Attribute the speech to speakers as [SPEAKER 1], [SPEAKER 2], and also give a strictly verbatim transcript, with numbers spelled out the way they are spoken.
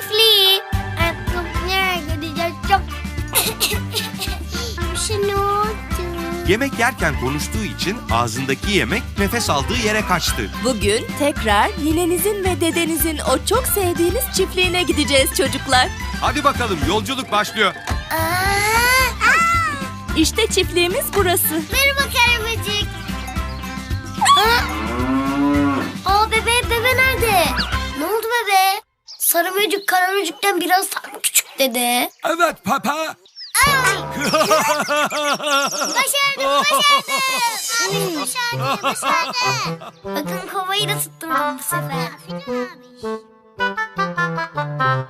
[SPEAKER 1] çiftliği. Artık nereye gideceğiz çok... Bir şey ne oldu?
[SPEAKER 2] Yemek yerken konuştuğu için ağzındaki yemek nefes aldığı yere kaçtı.
[SPEAKER 3] Bugün tekrar ninenizin ve dedenizin o çok sevdiğiniz çiftliğine gideceğiz çocuklar.
[SPEAKER 2] Hadi bakalım, yolculuk başlıyor.
[SPEAKER 1] Aa,
[SPEAKER 3] İşte çiftliğimiz burası.
[SPEAKER 1] merhaba Karaböcek. Aa, Aa bebe, bebe nerede? Ne oldu bebe? Sarı böcek Karaböcek'ten biraz daha mı küçük dede?
[SPEAKER 2] Evet papa.
[SPEAKER 1] Başardım, başardım. Abi başardı, başardı. Bakın kovayı da tuttum ben bu sefer.